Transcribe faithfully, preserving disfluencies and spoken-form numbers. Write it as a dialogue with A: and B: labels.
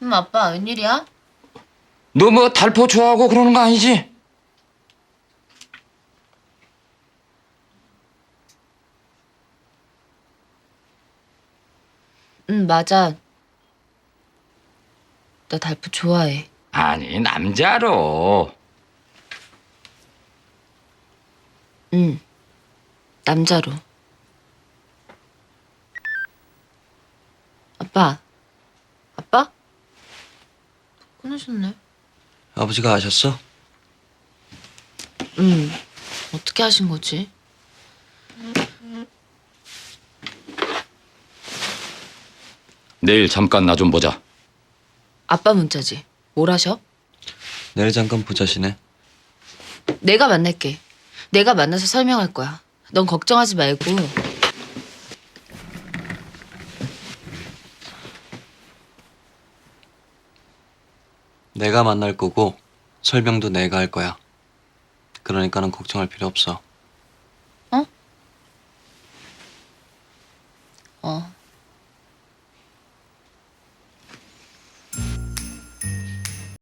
A: 음, 아빠, 웬일이야?
B: 너 뭐 달포 좋아하고 그러는 거 아니지?
A: 응, 맞아. 나 달프 좋아해.
B: 아니, 남자로.
A: 응, 남자로. 아빠, 아빠? 끊으셨네.
C: 아버지가 아셨어?
A: 응, 어떻게 하신 거지?
B: 내일 잠깐 나 좀 보자.
A: 아빠 문자지. 뭘 하셔?
C: 내일 잠깐 보자시네.
A: 내가 만날게. 내가 만나서 설명할 거야. 넌 걱정하지 말고.
C: 내가 만날 거고 설명도 내가 할 거야. 그러니까는 걱정할 필요 없어.